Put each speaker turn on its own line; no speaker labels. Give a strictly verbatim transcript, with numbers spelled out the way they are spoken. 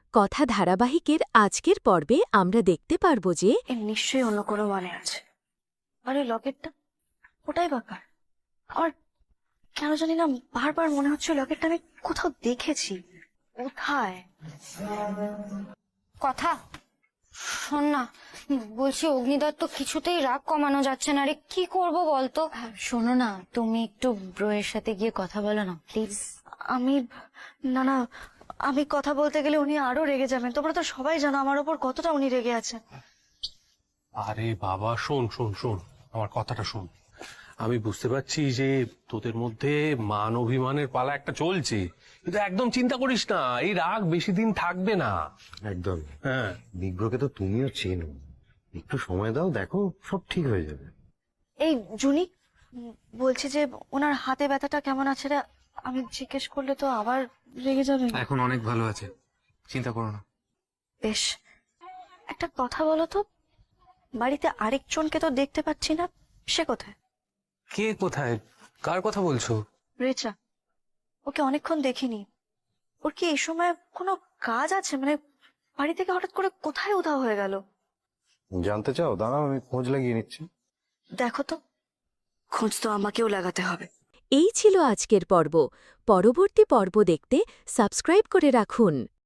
কথা ধারাবাহিকের আজকের পর্বে আমরা দেখতে পারব যে
এর নিশ্চয়ই অন্য কোনো মানে আছে। আরে লকেটটা, ওটাই ব্যাপার। আমার কেন জানি না বারবার মনে হচ্ছে লকেটটা আমি কোথাও দেখেছি। কোথায়?
কথা শোন না, বলছি অগ্নিদত্ত কিছুতেই রাগ কমানো যাচ্ছে না রে, কি করব বলতো? শোনো না, তুমি একটু ব্রোয়ের সাথে গিয়ে কথা বলো না প্লিজ।
আমি না না আমি কথা বলতে গেলে উনি আরো রেগে যাবেন। তোমরা তো সবাই জানো আমার ওপর কতটা উনি রেগে আছেন।
আরে বাবা, শোন শোন শোন, আমার কথাটা শোন। আমি বুঝতে পারছি যে তোদের মধ্যে মান অভিমানের পালা একটা চলছে, কিন্তু একদম চিন্তা করিস না, এই রাগ বেশি দিন থাকবে না।
একদম।
হ্যাঁ,
বিগ্রহকে তো তুমিও চেনো, একটু সময় দাও, দেখো সব ঠিক হয়ে যাবে।
এই জুনি, উম, বলছি যে ওনার হাতে ব্যথাটা কেমন আছে রে? আমি জিজ্ঞেস করলে তো আবার রেগে যাবেন।
এখন অনেক ভালো আছে, চিন্তা করো না।
বেশ, একটা কথা বলো তো, বাড়িতে আরেকজনকে তো দেখতে পাচ্ছি না, সে কোথায়?
কে কোথায়, কার কথা বলছো?
রেচা, ওকে অনেকক্ষণ দেখিনি। ওর কি এই সময় কোনো কাজ আছে? মানে বাড়ি থেকে হঠাৎ করে কোথায় উধাও হয়ে গেল?
জানতে চাও? দাঁড়াও, আমি খোঁজ লাগিয়ে নিচ্ছি।
দেখো তো, খোঁজ তো আমাকেও লাগাতে হবে।
এই ছিল আজকের পর্ব। পরবর্তী পর্ব দেখতে সাবস্ক্রাইব করে রাখুন।